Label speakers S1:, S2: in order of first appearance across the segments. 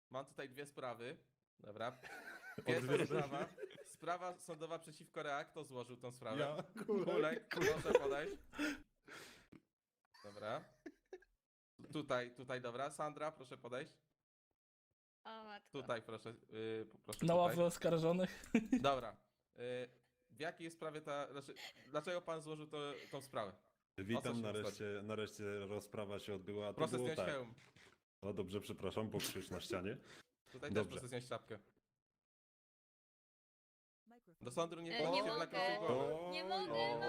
S1: Mam tutaj dwie sprawy. Dobra. Pierwsza sprawa. Sprawa sądowa przeciwko Reak. Kto złożył tą sprawę?
S2: Ja,
S1: Kulek, proszę podejść. Dobra. Tutaj, dobra. Sandra, proszę podejść.
S3: O matko.
S1: Tutaj, proszę. Proszę
S4: Na
S1: tutaj.
S4: ławę oskarżonych.
S1: Dobra. W jakiej sprawie dlaczego pan złożył tą sprawę? O co
S2: witam,
S1: się
S2: nareszcie rozprawa się odbyła. A to
S1: Proszę
S2: było
S1: zdjąć
S2: tak.
S1: hełm.
S2: No dobrze, przepraszam, bo krzyż na ścianie.
S1: Tutaj
S2: Dobrze.
S1: też proszę zdjąć czapkę. Do sądu nie
S3: Nie
S1: wchodzicie w
S3: mogę.
S1: nakryciu głowy.
S3: Nie mogę,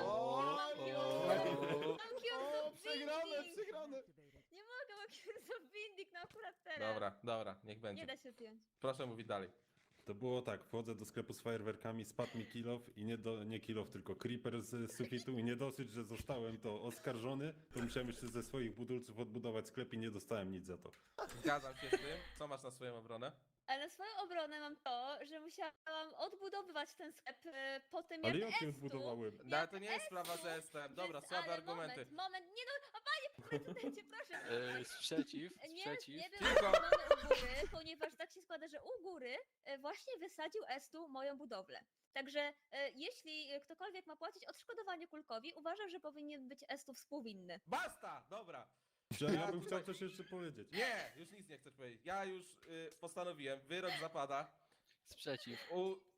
S3: mam
S2: Przegrane!
S3: Nie mogę, mam Cures of Windic, no akurat teraz.
S1: Dobra, niech
S3: Nie
S1: będzie.
S3: da się zdjąć.
S1: Proszę mówić dalej.
S2: To było tak, wchodzę do sklepu z fajerwerkami, spadł mi kilof i nie kilof, tylko creeper z sufitu i nie dosyć, że zostałem to oskarżony, to musiałem jeszcze ze swoich budulców odbudować sklep i nie dostałem nic za to.
S1: Zgadzam się z tym. Co masz na swoją obronę?
S3: Ale na swoją obronę mam to, że musiałam odbudowywać ten sklep po tym jak
S2: Ale jak nie
S3: Estu-
S2: odbudowałem?
S1: No, ale to nie jest sprawa, że jestem. Dobra, słabe
S3: ale
S1: argumenty.
S3: Moment, nie no, a panie prezydencie, proszę.
S5: Sprzeciw,
S3: Nie,
S5: sprzeciw.
S3: nie był
S1: Tylko-
S3: wykonany u góry, ponieważ tak się składa, że u góry właśnie wysadził Estu moją budowlę. Także jeśli ktokolwiek ma płacić odszkodowanie Kulkowi, uważam, że powinien być Estu współwinny.
S1: Basta! Dobra.
S2: Ja bym chciał coś jeszcze powiedzieć.
S1: Nie, już nic nie chcesz powiedzieć. Ja już postanowiłem. Wyrok zapada.
S5: Sprzeciw,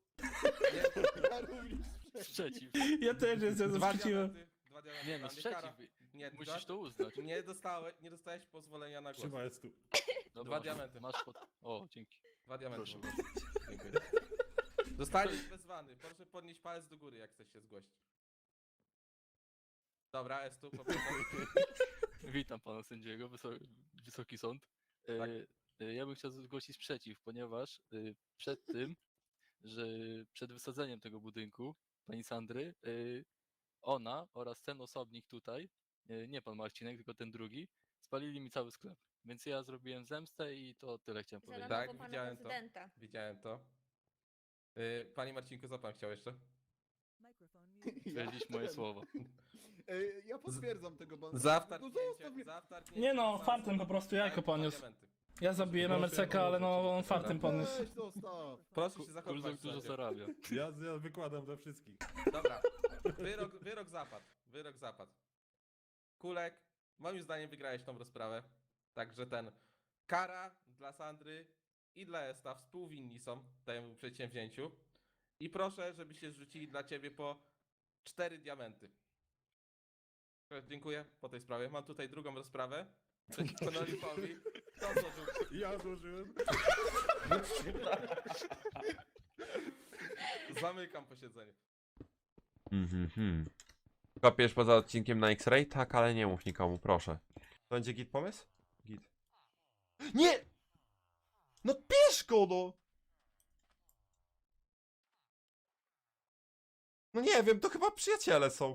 S1: Nie,
S5: sprzeciw.
S4: Ja też jestem
S1: dwa
S4: sprzeciwem.
S1: diamenty. Dwa diamenty.
S5: Nie no,
S1: dla mnie. Kara.
S5: sprzeciw.
S1: Nie,
S5: Musisz to uznać.
S1: nie dostałeś pozwolenia na głos.
S2: Trzyma jest tu.
S5: Dobra,
S1: Dwa diamenty.
S5: Masz pod... O, dzięki.
S1: Dwa diamenty.
S5: Proszę.
S1: Dziękuję. Zostaniesz wezwany. Proszę podnieść palec do góry, jak chcesz się zgłosić. Dobra, Estu, poproszę.
S5: Witam pana sędziego, Wysoki Sąd.
S1: Tak.
S5: Ja bym chciał zgłosić sprzeciw, ponieważ przed tym, że przed wysadzeniem tego budynku, pani Sandry, ona oraz ten osobnik tutaj, nie pan Marcinek, tylko ten drugi, spalili mi cały sklep. Więc ja zrobiłem zemstę i to tyle chciałem
S3: Za
S5: powiedzieć.
S1: Tak,
S3: nowo pana
S1: widziałem to.
S3: prezydenta.
S1: Widziałem to. Panie Marcinku, co pan chciał jeszcze?
S5: Powiedzieć moje słowa.
S6: Ja potwierdzam tego banana.
S1: Za
S6: No zostaw
S1: wtargnięcie,
S6: mnie.
S1: za wtargnięcie.
S4: Nie no,
S1: za-
S4: fartem po prostu jajko
S1: Dwa
S4: poniósł.
S1: diamenty.
S4: Ja zabiłem MLCK, ale no on fartem podniósł.
S6: Weź, zostaw.
S1: Proszę się zachowywać.
S5: Kulzok dużo
S1: sędzio.
S5: zarabia.
S2: Ja wykładam dla wszystkich.
S1: Dobra, wyrok zapadł. Wyrok zapadł. Kulek, moim zdaniem wygrałeś tą rozprawę. Także kara dla Sandry i dla Esta współwinni są temu przedsięwzięciu. I proszę, żebyście zrzucili dla ciebie po 4 diamenty. Dziękuję po tej sprawie. Mam tutaj drugą rozprawę. Przeciwko Nolifowi. Kto złożył?
S2: Ja złożyłem.
S1: Zamykam posiedzenie.
S7: Kopiesz poza odcinkiem na X-Ray? Tak, ale nie mów nikomu, proszę. To będzie git pomysł? Git. Nie! No bierz go, no! No nie wiem, to chyba przyjaciele są.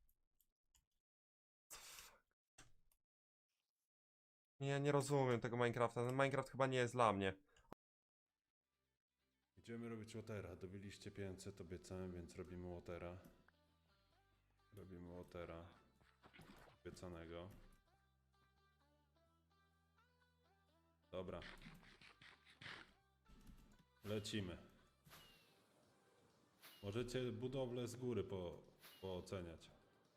S7: Nie rozumiem tego Minecrafta. Ten Minecraft chyba nie jest dla mnie.
S2: Idziemy robić Watera. Dobiliście 500, obiecałem, więc robimy Watera. Robimy Watera. Obiecanego. Dobra. Lecimy. Możecie budowlę z góry pooceniać.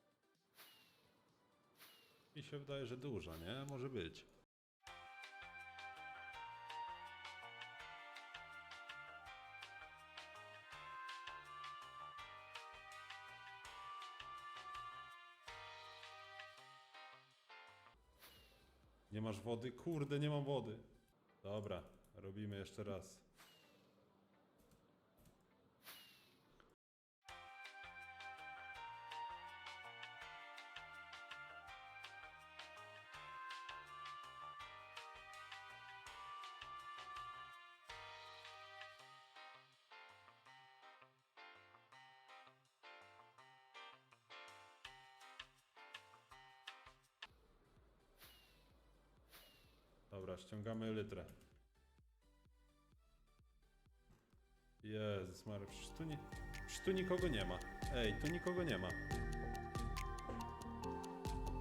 S2: Mi się wydaje, że duża, nie? Może być. Nie masz wody? Kurde, nie mam wody. Dobra, robimy jeszcze raz. Dobra, ściągamy elytrę. Jezus Maria, przecież tu nikogo nie ma. Ej, tu nikogo nie ma.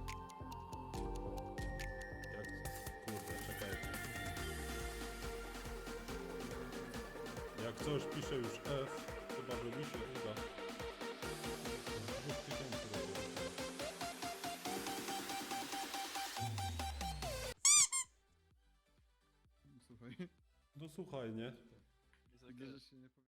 S2: Jak... Kurde, czekajcie. coś pisze już F, chyba że mi się uda. 2000 robię.
S6: Słuchaj,
S2: No słuchaj, nie?
S5: Jest okej.
S6: bierzesz się nie